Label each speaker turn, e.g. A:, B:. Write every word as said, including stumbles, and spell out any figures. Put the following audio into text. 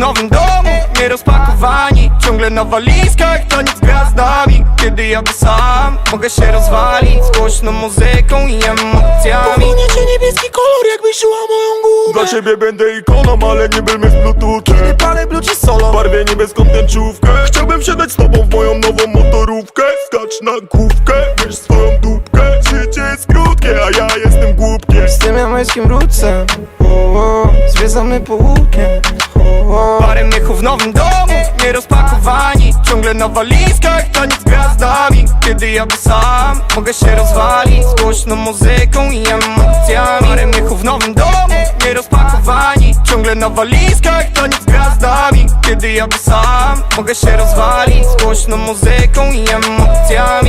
A: nowym domu, nierozpakowani, ciągle na walizkach, to nic gra z nami. Kiedy jadę sam, mogę się rozwalić z głośną muzyką i emocjami.
B: Powinię cię niebieski kolor, jakbyś czuła moją gumę.
C: Dla ciebie będę ikoną, ale nie będę z bluetoothem.
B: Kiedy palę bluci solo,
C: W barwie niebieską tęczówkę. Chciałbym wsiadać z tobą w moją nową motorówkę. Skacz na główkę, weź swoją dupkę. Życie jest krótkie, a ja jestem głupkiem.
B: z tym jamańskim rootsem, o, o, zwiedzamy po weekend, o, o.
A: Parę miechów w nowym domu, nierozpakowani, ciągle na walizkach, to nic gra z nami. Kiedy jadę sam, mogę się rozwalić z głośną muzyką i emocjami. Parę miechów w nowym domu, nierozpakowani, ciągle na walizkach, to nic gra z nami. Kiedy jadę sam, mogę się rozwalić z głośną muzyką i emocjami.